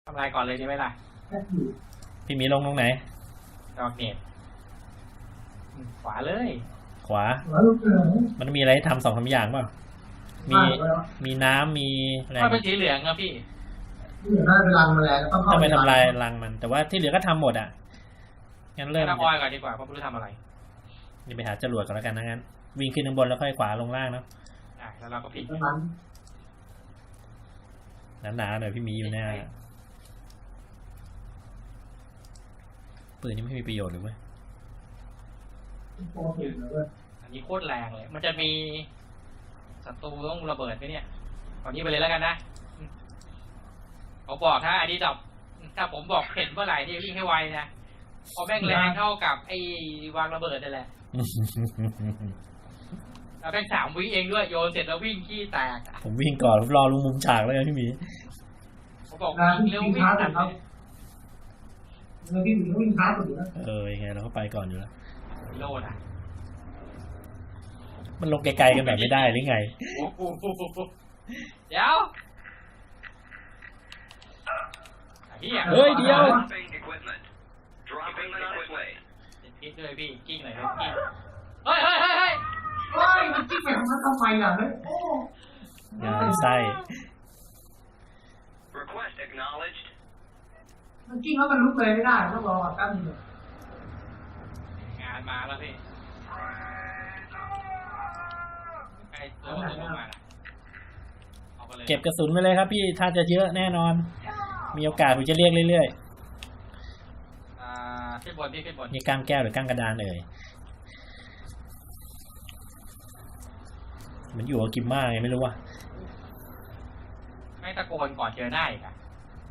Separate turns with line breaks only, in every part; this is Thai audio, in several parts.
ทำลายก่อนเลยดีไหมล่ะ
พี่มีลงตรงไหน
ดอกเน็ตขวาเลย
ขวามันมีอะไรทำ2-3อย่างเปล่ามีน้ำมีอะไร
ก็เป็นสีเหลืองครับพี่
น่าเป็นรังแมลงต้องเข้า
ไปทำลายรังมันแต่ว่าที่เหลือก็ทำหมดอ่ะงั้นเริ่ม
ทำออยก่อนดีกว่าเพราะไม่รู้ทำอะไร
นี่ไปหาจรวดก่อนแล้วกันนะงั้นวิ่งขึ้นข้างบนแล้วค่อยขวาลงล่างเนาะ
แล้วเราก็พลิก
หนาๆหน่อยพี่มีอยู่แน่ปืนนี้ไม่มีประโยชน์หรือไม่
อันนี้โคตรแรงเลยมันจะมีศัตรูต้องระเบิดไหมเนี่ยตอนนี้ไปเลยแล้วกันนะเขาบอกถ้าอันนี้ดับถ้าผมบอกเห็นเมื่อไหร่ที่วิ่งให้ไวนะพอแม่งแรงเท่ากับไอ้วางระเบิดนั่นแหละแล้วแม่ง3 วิเองด้วยโยนเสร็จแล้ววิ่งขี้แตก
ผมวิ่งก่อนผมรอลงมุมฉากแล้วพี่มี
เขาบอกวิ่งเร็ววิ่งทันเลย
วิ่งช้าสุดแล้ว
ยังไงเราก็ไปก่อนอยู่แล้ว
โลดอ่ะ
มันลงไกลๆกันแบบไม่ได้หรือไง
เดี๋ยว
เฮ้ยเดี๋ยว
พิษด้วยพี่กิ้งหน่อยเลยกิ้งเฮ้ย
มันกิ้งไปทำไมอ่ะเฮ้ยโอ้
งานไส้
มันกิ้งแล้วมันลุกเลยไม่ได้ต้องรอตั้งเลย
งานมาแล้วพี่ใครตัวลงมา
เก็บกระสุนไปเลยครับพี่ถ้าจะเยอะแน่นอนมีโอกาสผมจะเรียกเรื่อย
ๆขึ้นบนพี่ขึ้นบน
นี่ก้างแก้วหรือก้างกระดานมันอยู่กับกิมม่าไงไม่รู้ว่ะ
ไม่ตะโกนก่อนเจอหน้าอีกอ่ะ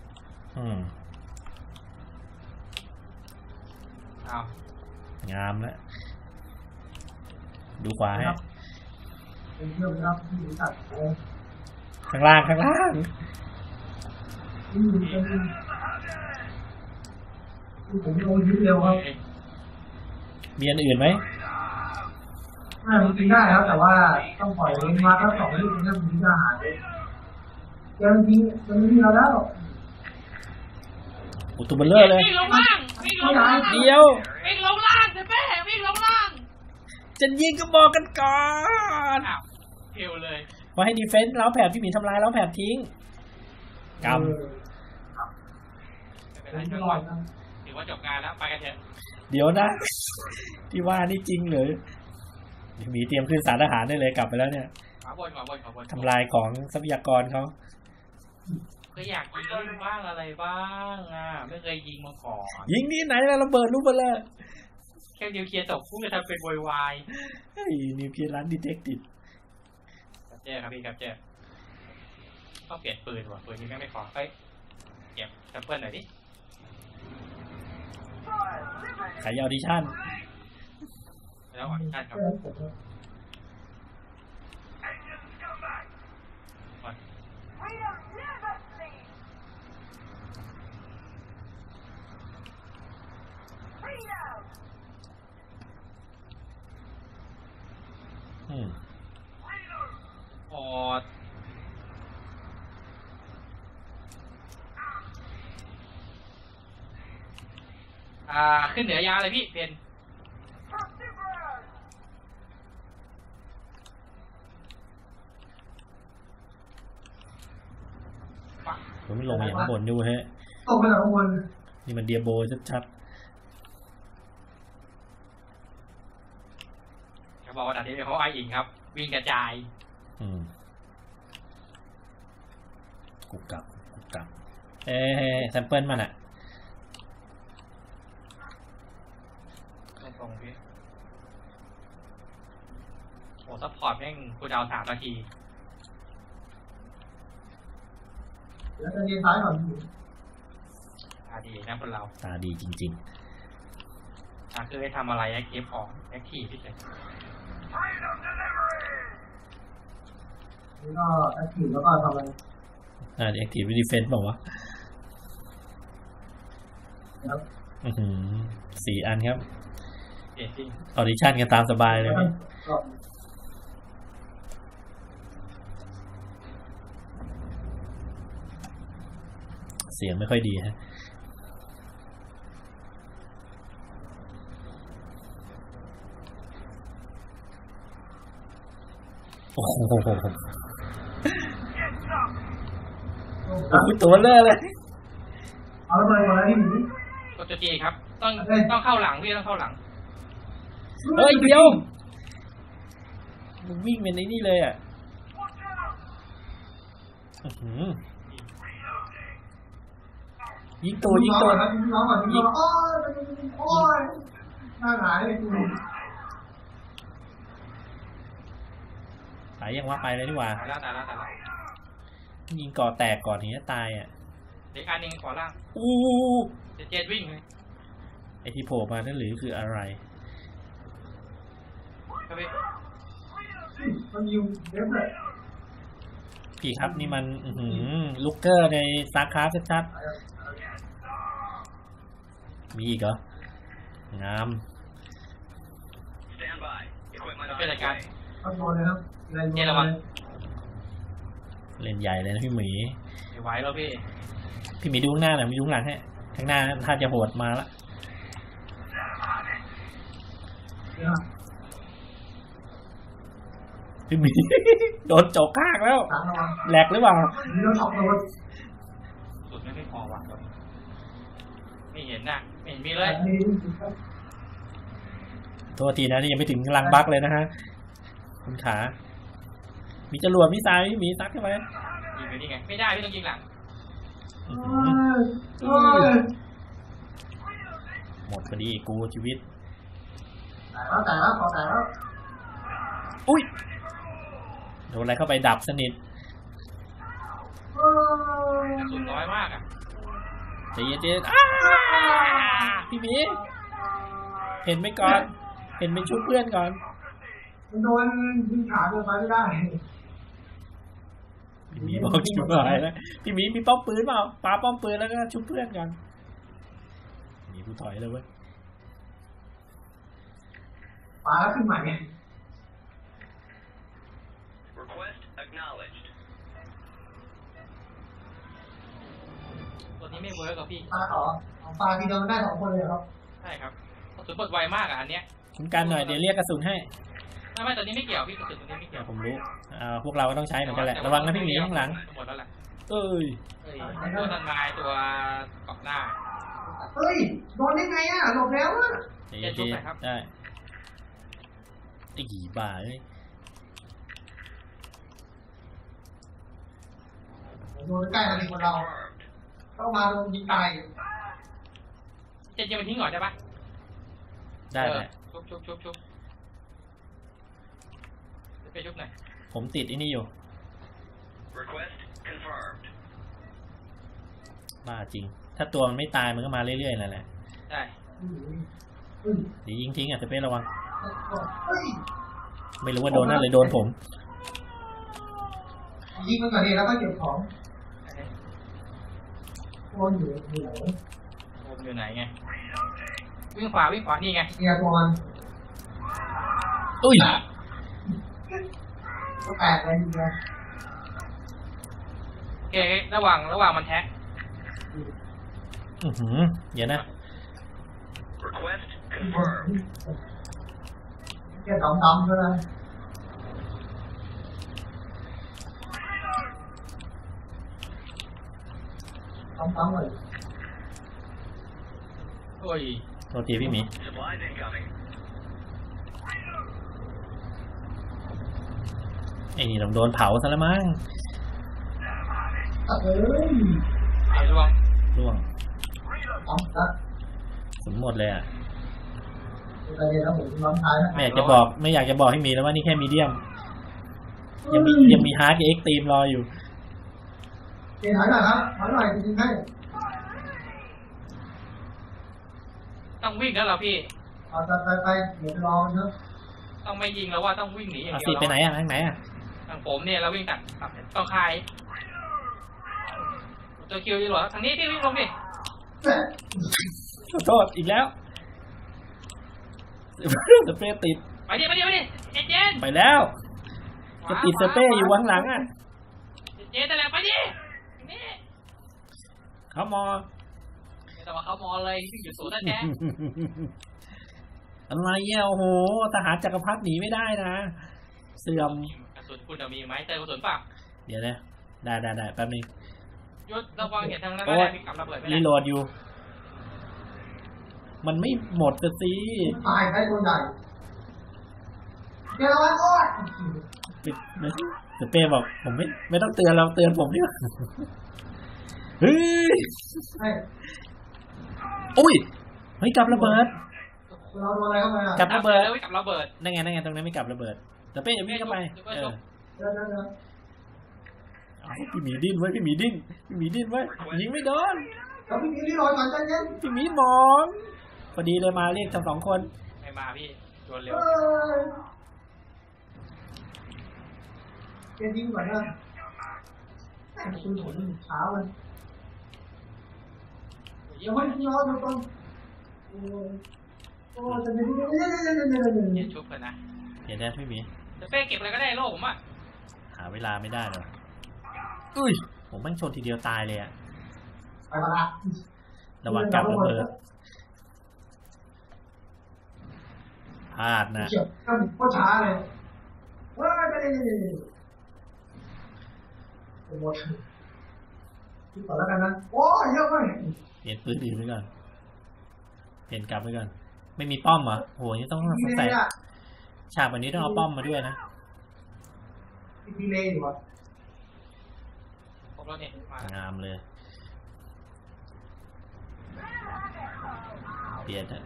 เอา
งามแล้วดูขวาให้ข้างล่าง
ผมโดนยิงเร็วครับ
มีอันอื่นไหม
มันยิงได้ครับแต่ว่าต้องปล่อยเล่นมาถ้า2 ลูกเนี่ยมันยิงได้หายยังยิงมันยิงเราแล้ว
อุตุเบลเลอร์เลย
วิ่งลงล่าง
เดียว
วิ่งลงล่างจะแม่วิ่งลงล่าง
จะยิงก็บอกกันก่อน
เทวเลย
ว่าให้ดีเฟนส์แล้วแผบที่มีทำลายแล้วแผบทิ้งกำ
ถือว่าจบงานแล้วไปกันเถอะ
เดี๋ยวนะที่ว่านี่จริงหรือมีเตรียมขึ้นศาลทหารได้เลยกลับไปแล้วเนี่ย
ขอบน
ทำลายของทรัพยากรเขา
ก็อยากยิงเล่นบ้างอะไรบ้างไม่เคยยิงมาก่อน
ยิงนี่ไหนแล้วระเบิดลูกเบลอ
แค่นิวเคลียร์ตกพุ่งจะทำเป็นวาย
นิวเคลียร์ร้านดีเทคติฟ
ครับเจ๊ครับพี่ครับเจ๊ก็เปลี่ยนปืนว่ะปืนนี้ไม่พอเก็บแซมเปิลหน่อยดิ
ขายออดิชั่น
แล้วออดิชั่นครับขึ้นเหนือยาเลยพี่เพน
ผมไม่ลงอย่างข้างบนดูฮะ
ตกไปข้างบน
นี่มันเดียโบชัด
ๆเขาบอกว่าดันนี้เขาไออิงครับวิ่งกระจาย
กุกกับแซมเปิลมัน
ตรงพี่โอ้ซัพพอร์ตแม่งกูดาว3 นาที
แล้วจะเลี้ยงซ้ายก่อน
ตาดีนะคนเรา
ตาดีจริง
ๆคือให้ทำอะไรเก็บของแอคทีฟพี่เฉย
แล้วก็แอคทีฟแล้วก็ทำอะไร
แอคทีฟดีเฟนส์บอกว่า4 อันครับออดิชั่นกันตามสบายเลยเสียงไม่ค่อยดีฮะโอ้โหตัวเลอะเลย
เอาระเบิดก่อนแล้วพี่หมี
กดตัวจีครับ ต้องเข้าหลังพี่ต้องเข้าหลัง
เฮ้ยเดียวมันวิ่งเป็นไอ้นี่เลยอ่ะอื้อหือยิงตัวยิงตัว
ครับยิงน้องก่อนยิงน้องโอ้ยโอ้ยหน้าหงายเลยกู
ตายยังว่าไปเลยดีกว่า
ตายแล้วตายแล้วตายแล้ว
ยิงก่อแตกก่อนถึงจะตายอ่ะ
เด็กอันหนึงขวาล่าง
อู้
เจ็ดวิ่งเลย
ไอที่โผล่มานั่นหรือคืออะไร
ครับพี่
มันยิงเด็บเลย
พี่ครับนี่มันอื้อหือลูกเกอร์ในซาร์คราฟชัดๆมีอีกเหรองาม
เป็นรายการ
ต้องโดนเลยครับอะไรโดน
เจระวัง
เล่นใหญ่เลยนะพี่หมี
ไม่ไหวแล้วพี่
พี่หมีดูข้างหน้าหน่อยมีดูข้างหลังให้ข้างหน้าถ้าจะโหดมาละพี่หมี โดนโจกข้างแล้ว
หลังระวัง
แหลกหรือเปล่า
นี่เราตกโดน
สุดไม่พอว่ะไม่เห็นน่ะไม่เห็นมีเลย
โทษทีนะนี่ยังไม่ถึงลังบักเลยนะฮะคุณขา มีจรวดมีสายพี่หมีซัดเข้าไป
ยิงไปนี่ไงไม่ได้พี่ต้องยิงหลัง
อื้อ
โอ้
หือย
โอ้ย
หมดพอดีกูชีวิต
แต่แล้วขอแต่แล้ว
อุ้ยโดนอะไรเข้าไปดับสนิท
โอ้ย
กระสุนน้อยมากอ่ะ
ใจเย็นๆพี่หมีเห็นไหมก่อน เห็นเป็นชุดเพื่อนก่อน
มันโดนยิงขาโดนไปไม่ได้
พี่หมีบอกชุบหายแล้วพี่หมีมีป้อมปืนเปล่าปาป้อมปืนแล้วก็ชุบเพื่อนก่อนมีกูถอยเลยเว้ย
ปาแล้วขึ้นใหม่ไง
Request acknowledged.
ตัวนี้ไม่เวิร์กกับพี่
ปาต่อเอาปาทีเดียวมันได้2 คนเลยครับ
ใช่ครับกระสุนหมดไวมากอ่ะอันเนี้ย
คุณกันหน่อยเดี๋ยวเรียกกระสุนให้
ไม่ตัวนี้ไม่เกี่ยวพี่กระสุนตัวนี้ไม่เกี่ยว
ผมรู้พวกเราก็ต้องใช้เหมือนกันแหละระวังนะพี่หมีข้างหลัง
หมดแล้วแหละ
เอ้ย
เอ้ยตัวตันไม้ตัวเกาะหน้า
เฮ้ยโดนได้ไงอ่ะหลบแล้วอ่ะ
ใจเย็น
ชุบหน่อยครับ
ๆได้ไอ้กี่บ้าเอ้ย
โดนใกล้มาถึงคนเราต้องมาโดนยิงตาย
เจ็ดยิงมันทิ้งก่อนได้ปะ
ได้แหละ
ชุบไปชุบหน่อย
ผมติดไอ้นี่อยู่
Request confirmed.
บ้าจริง ถ้าตัวมันไม่ตายมันก็มาเรื่อยๆนั่นแหละ
ได้
เดี๋ยวยิงทิ้งอ่ะจะเป็นระวัง
เฮ้ย
ไม่รู้ว่าโดนนั่นหรือโดนผม
ยิงมันก่อนดีแล้วก็เก็บของโดนอยู่ไหน
โอมอยู่ไหนไงวิ่งขวานี่ไง
เกียร์ตัวมัน
อุ้ย
ก็แตกเลยทีเดียว
โอเคระหว่างมันแท็ก
อื้อหือเดี๋ยวนะ
Request confirmed.
เกียร์ดำๆเลยดำๆเลย
โอ้ย
โทษทีพี่หมี
Supplies incoming.
ไอ้นี่ต้องโดนเผาซะแล้วมั้ง
เอ้ย
ไอ้ร่วง
ร่วง
ดำนะ
สมหมดเลยอ่ะ
อะไรเนี่ยนะผมน้องชายนะ
ไม่อยากจะบอกให้มีแล้วว่านี่แค่มีเดียม ยังมีฮาร์ดกับเอ็กตรีมรออยู่
เกียร์ถอยหน่อยครับถอยหน่อยจริงๆให้
ต้องวิ่งแล้วเหรอพี่
เอาไปเดี๋ยวรอมันเนอะ
ต้องไม่ยิงแล้วว่าต้องวิ่งหนีอย่าง
อา
เดี
สิ
ยว
ไปไหนอ่ะทางไหนอ่ะ
ทางผมเนี่ยเราวิ่งตัดต้องคายตัวคิวอยู่หรอทางนี้พี่วิ่งลงดิ
ขอโทษอีกแล้วสเปรย์ติด
ไปดิเจน
ไปแล้วจะติดสเปรย์อยู่ข้างหลังอ่ะ
เจนแต่แหละไปดินี่
ขเขามอ
แต่ว่าเขามอเลยที่อยู่ศูนย์นั่นแหละ
อะไรเนี่ยโอ้โหทหารจักรพรรดิหนีไม่ได้นะเสื่อม
กระสุนคุณมีไหมเติมกระสุนเปล่า
เดี๋ยวนะได้แป๊บนึง
ยศระวังเห็นทางนั้น
โอ้
ก็
ย
ได้มีกับระเบิดไป
รี
แล้ว
โหลดอยู่ มันไม่หมดสิ
ตายได้ตัวใหญ่เดี๋ยวเราโอ้ย
ปิดเดี๋ยวเป้บอกผมไม่ต้องเตือนเราเตือนผมดีกว่าเฮ้ย
เฮ้ย
อุ้ยเฮ้ยกลับระเบิด
เราโดนอะไรเข้าไปอ่ะ
กลับระเบิด
แล้วกับระเบิด
นั่นไงตรงนั้นไม่กลับระเบิดแต่เป้อย่าวิ่งเข้าไป
เดี๋ยว
เดี๋ยว
เอาพี่หมีดิ้นไว้พี่หมีดิ้นไว้ยิงไม่โดน
แล้วพี่นี่รอก่อนใจเย็น
พี่หมีหมองพอดีเลยมาเรียกทั้งสองคน
ไม่มาพี่โดนเร็ว
เออเกมยิงก่อนนะคุณผลเช้าเลยยังไม่ย้อนตรงโอ้จะไม่ได้
เย็นชุบกันนะ
เห็นได้พี่หมี
จะเป้เก็บอะไรก็ได้โลกผมอ่ะ
หาเวลาไม่ได้เลยอุ้ยผมแม่งชนทีเดียวตายเลยอะ
ไปมาละ
ระวังกลับระเบิดพลาดนะ
เฉียบก็ช้าเลยว้าไปเลยหมดคิดก่อนแล้วกันนะโอ้ยเยอะมาก
เปลี่ยนปืนอื่นไปก่อนเปลี่ยนกลับไปก่อนไม่มีป้อมเหรอโหนี่ต้องใส่ฉากแบบนี้ต้องเอาป้อมมาด้วยนะ
ดีเลยอยู่อ่ะ
ครบแล้วเนี่ยมาง
ามเลยเปลี่ยนอะ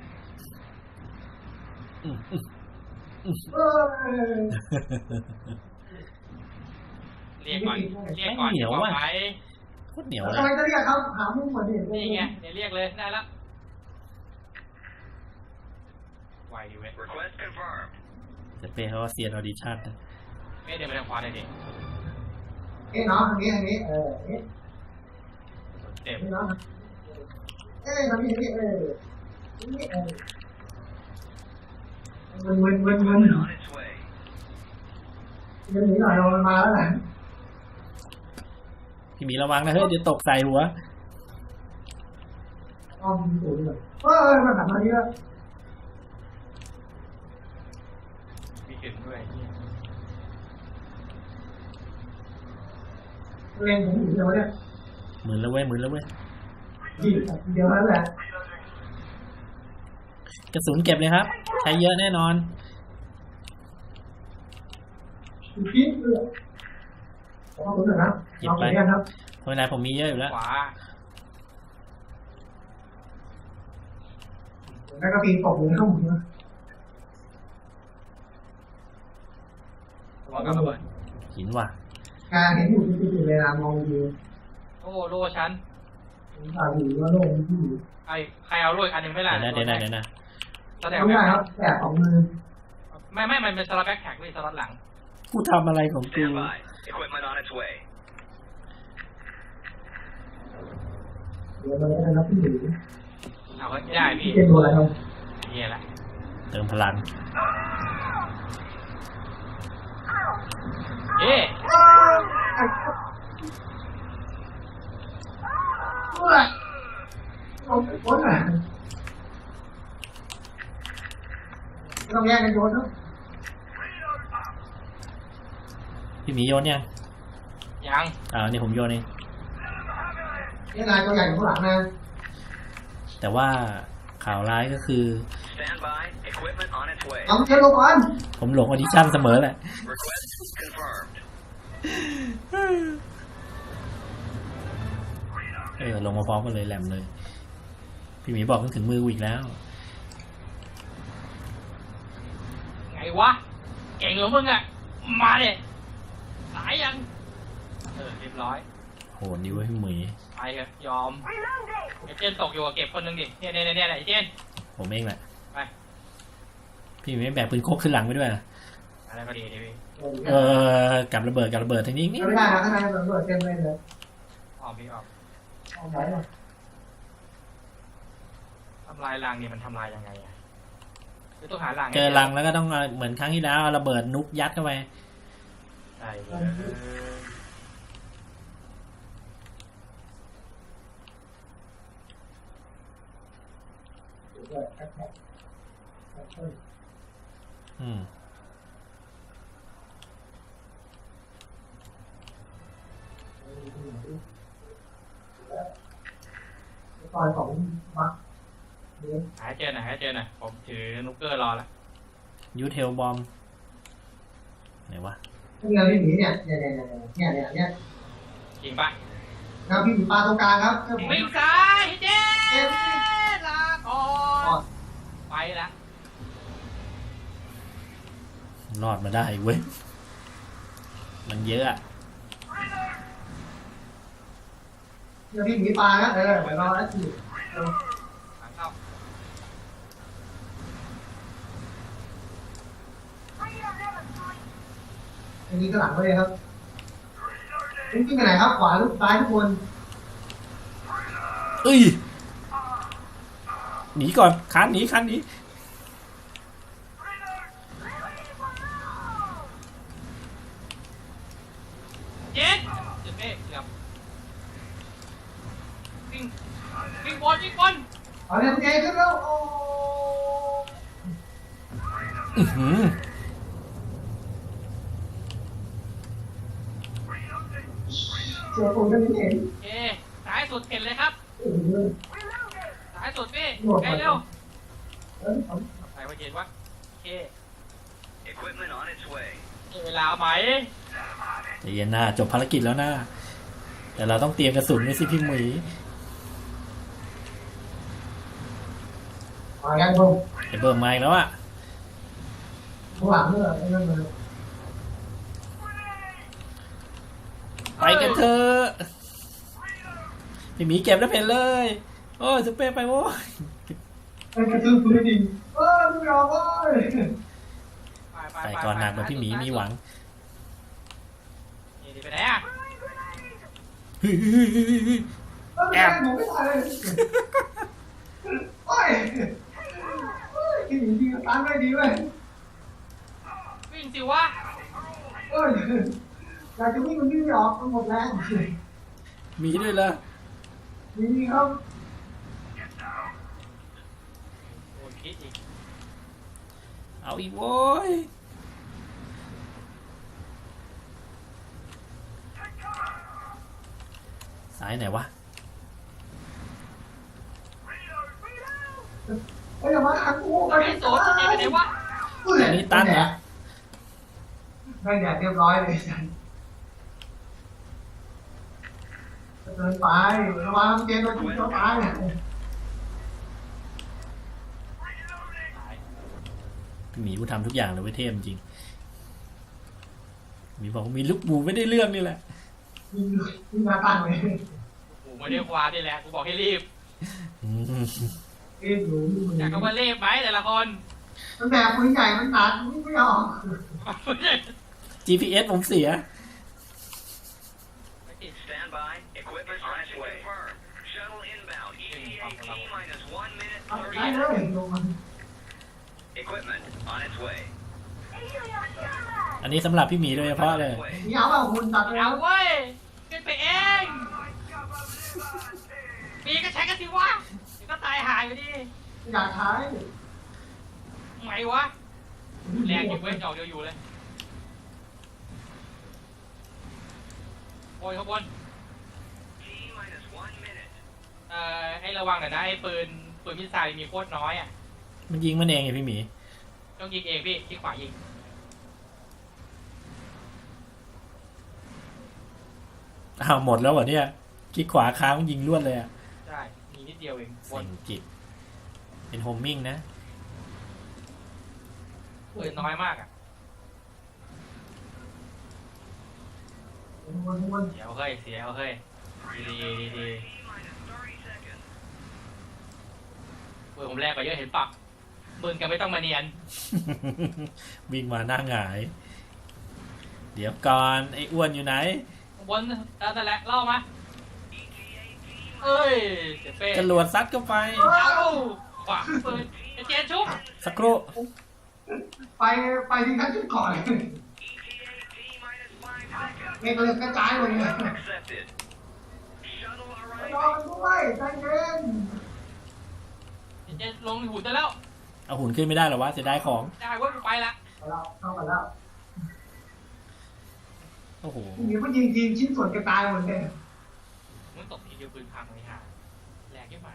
เออ
เรียกก่อนบอกไป
โคตรเหนียว
ทำ
เลย
ไมจะเรียกครับหามุ้งเหมือนเดิม
นี่ไงเดี๋ยวเรียกเลยได้แล้วไวดีเว้ย
Request confirmed.
แต่เป้เขาว่าเซียนออดิชั่นนะ
ไม่เดี๋ยวไปทางขวาเลยดิ
เอ๊ะน้องทางนี้เออเอ๊ะ
เต็ม
น้องเอ๊ะทางนี้เออนี่เออเงิน
On its way.
เงินหนีหน่อยเรามาแล้วแหละ
พี่หมีระวังนะเฮ้ยเดี๋ยวตกใส่หัว
อ้อมสูงเลยมาถัดมานี้แล้ว
มีถึงด้วย
เล่นผมอยู่เดียวเนี่ย
หมื่นแล้วเว้ย
เดียวนั้นแหละ
กระสุนเก็บเลยครับ ใช้เยอะแน่นอน
คิดเลยขอบคุณนะครับเราไปกันครับ
เพราะเวลาผมมีเยอะอยู่แล้ว
ขวา
แล้วก็ปีนตกเลยเข้าหมุนนะ
ระวังกับระเบิด
หินว่ะ
การเห็นอยู่ที่จุดเวลามองดู
โอ้โล่ชั้น
ตาดูว่าโลกมันที่อยู่
ใครเอาโล่อีกอันหนึ่งไม่ล่ะ
เดี๋ยวนะ
สแต็ก
ทำ
แบ็
ได้
ค
ครับแต่ของมือ
ไม่มันเป็นสลับแบ็คแท็กด้วยสลับหลัง
กูทำอะไรของกู
Stand by. Equipment on its way.
เดี๋ยวเราจะนับที่อยู่
เอาไว้ไม่ได้พี่
ที่เป็นตัวอะไรครับ
นี่แหละ
เติมพลัง
เอ๊ะ
โอ๊ยไม่ต้องแย่งกันโยนนะ
พี่หมีโยนยัง
ยัง
นี่ผมโยนเอง
นี่นายตัวใหญ่อยู่ข้างหลังนะ
แต่ว่าข่าวร้ายก็คือ
Stand by. Equipment on its way.
เอาเชือกลงก่อน
ผมหลงออดิชั่นเสมอแหละ
Request confirmed.
ลงมาพร้อมกันเลยแหลมเลย พี่หมีบอกต้องถึงมือกูอีกแล้ว
ไงวะเก่งเหรอมึงอ่ะมาดิสายยังเรียบร้อย
โหนี่เว้ยพี่หมี
ไปเถอะยอมไอ้เจนตกอยู่กับเก็บคนหนึ่งดิเนี่ยไอ้เจน
ผมเองแหละ
ไป
พี่หมีไม่แบกปืนโคกขึ้นหลังไปด้วยนะ
อะไรก็ดีพี่
กับระเบิดทีนี้นี่
ไม่ได้นะข้างในมันเปิดเต็มเลยเลย
ออกพี่ออก
เอาไหนอ่ะ
ทำลายรังนี่มันทำลายยังไงอ่ะคือต้องหารัง
เจอรังแล้วก็ต้องเหมือนครั้งที่แล้วเอาระเบิดนุกยัดเข้าไป
ใช่เลย
อืม
ซอยของบักเนี่ย
หาให้เจอหน่อยหาให้เจอหน่อยผมถือนุกเกอร์รอละ
ยูเทลบอมไหนวะ
นี่ไงพี่หมีเนี่ยเนี่ย
จริงปะ
ครับพี่หมีปลาตรงกลางครับ
วิ่งซ้ายเจ๊ลาก่อนไปละ
รอดมาได้เว้ย มันเยอะอะ
เนี่ยพี่หมีปลานะเดี๋ยวรอแล้วสิ
หลังเข้า
อันนี้ก็หลังเลยครับวิ่งไปไหนครับขวาลูกซ้ายทุกคน
เอ้ย หนีก่อนคันหนีคันหนี
เจ๊เจ๊เป้เกือบวิ่งวิ่งบอลวิ่งบอล
เอาเนี่ยเจขึ้นแล้วโอ้
อื้อหือ
เจอคนไม่เห็น
เจ๊สายสุดเห็นเลยครับสายสุดพี่ใกล้เร็วใส่ไว้เห็นวะเจ๊
Equipment on its way.
เวลาไหม
ใจเย็นหน้าจบภารกิจแล้วหน้า แต่เราต้องเตรียมกระสุนไว้สิพี่หมี
มายังคง
ไอ้เบิร์มมาอีกแล้วอะ
ข้างหลังเนี่ยไอ้นั่นเลย
ไปกันเถอะพี่หมีเก็บแล้วเพนเลย โอ้ยจะเป้ไปโว้ย
ไอ้กระตือรือร้นไม่ยอมเว้ย
ใส่ก่อนหนักเหมือนพี่หมีมีหวัง
นี่ไปไหนอ่ะ
เฮ้ย
แอบผมไม่ตายเลยโอ้ยกินจริงๆตามได้ดีเว้ย
วิ่งสิวะ
เอ้ยอยากจะวิ่งมันวิ่งไม่ออกมันหมดแรง
มีด้วยเหรอ
นี่ครับ
โอ้ยคิดอีก
เอาอีกโว้ย ซ้ายไหนวะ
ไอ้ยมาขังกูไป
ไอ้โสดเจ๊ไปไหนวะ
อันนี้ตั้นเหรอ
ได้แดดเรียบร้อยเลยเดินไประวังเจนโดนยิงตัวตาย
พี่หมีกูทำทุกอย่างเลยเว้ยเทพจริงหมีบอกว่ามีลูกหมูไม่ได้เรื่องนี่แหละ
ยิงมาตั้งเลย
โอ้โหไม่ได้ควานี่แหละกูบอกให้รีบ
อืม
เอ็นอยู่
อยากก็มารีบไหมแต่ละคน
มันแบบปืนใหญ่มันหนักวิ่งไม่ออก
GPS ผมเสีย
Stand by. Equipment on its way. Confirmed. Shuttle inbound. ETA T minus 1 minute
ได้
30
เลย
seconds. Equipment on its way.
อันนี้สำหรับพี่หมีโดยเฉพาะเลย
นี่เอาว่าคุณตัด
เอาเว้ยขึ้นไปเองมีก็ใช้กันสิวะเดี๋ยวก็ตายหายอยู่ดี
อยากใช้
ไงวะแรงอยู่เว้ยจอกเดียวอยู่เลยโอ้ยข้างบน
T minus 1 minute.
ให้ระวังหน่อยนะไอ้ปืนมิสไซล์มีโคตรน้อยอ่ะ
มันยิงมันเองไงพี่หมี
ต้องยิงเองพี่ที่ขวายิง
อ้าวหมดแล้วเหรอเนี่ยคลิกขวาค้างยิงลวดเลยอะ
ใช่มีนิดเดียวเองบ
เซ็
น
งจิต เป็นโฮมมิ่งนะ
ปืนน้อยมากอ่ะ
วน
เสียเอาเฮ้ยเสียเอาเฮ้ยดีดี
T minus 30 seconds.
ปืนผมแรกกว่าเยอะเห็นปะปืนกันไม่ต้องมาเนียน
วิ่งมาหน้าหงาย เดี๋ยวก่อนไอ้อ้วนอยู่ไหน
บนนั่นแหละเล่ามาเอ้ยเจ็บเป้
จรวดซัดเข้าไป
เอาขวาปืนไอ้เจนชุบ
สักครู่
ไปที่ขั้นชุดก่อน
ETA T minus 5 seconds.
เมกเลยกระจายเลยเนี่ย
Accepted. Shuttle
รอ
arriving.
กันด้วยใจเย็น
ไอ้เจนลงหุ่นได้แล้ว
เอาหุ่นขึ้นไม่ได้หรอวะเสียดายของ
ได้เว้ยไปละ
เราเข้ากันแล้ว
โอ้โห
ทีนี้ก็ยิงชิ้นส่วนกระจายหมดเลย
มันตกทีเดียวปืนพังเลยฮะแหลกยังไง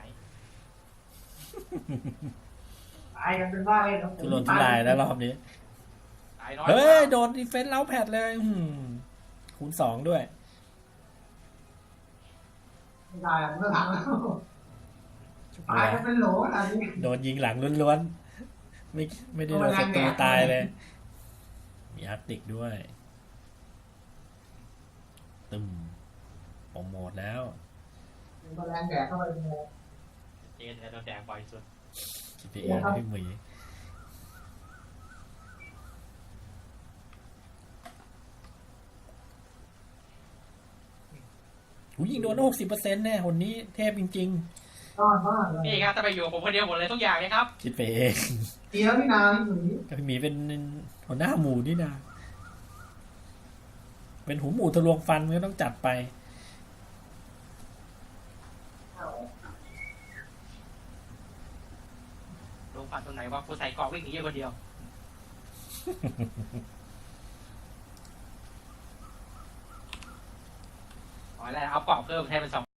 ตายกันเป็นว่าเลยครับ
ทุรนทุรายแล้วรอบนี้
ตายน้อย
เฮ้ย โดนดีเฟนส์เล้าแผดเลยคูณ 2 ด้วย
ไม่ได้มันก็ทันแล้วตายกันเป็นโหลอันนี้
โดนยิงหลังล้วนๆ ไม่ได้โดนศัตรูตายเลย มีอาร์ติกด้วย ตึมโปรโมทแล้ว
เป็นแรงแดดเข้าไปโม
เจนจะโดนแดงบ่อยสุด
GPA พี่หมีหูยิงโดน 60%แน่คนนี้เทพจริง
ยอดมากเลย
นี่ครับถ้าไปอยู่กับผมคนเดียวหมดเลยทุกอย่างเลยครับ
ๆ คิดไปเอง
ดีแล้วพี่นาพี่หนุ่ย
แต่พี่หมีเป็นหัวหน้าหมู่นี่นะ เป็นหูหมูทะลวงฟันก็ต้องจัดไป
ลงฟันตรงไหนวะกูใส่เกราะวิ่งหนีอยู่คนเดียวอ๋อแล้วเอาเกราะเพิ่มให้เป็น2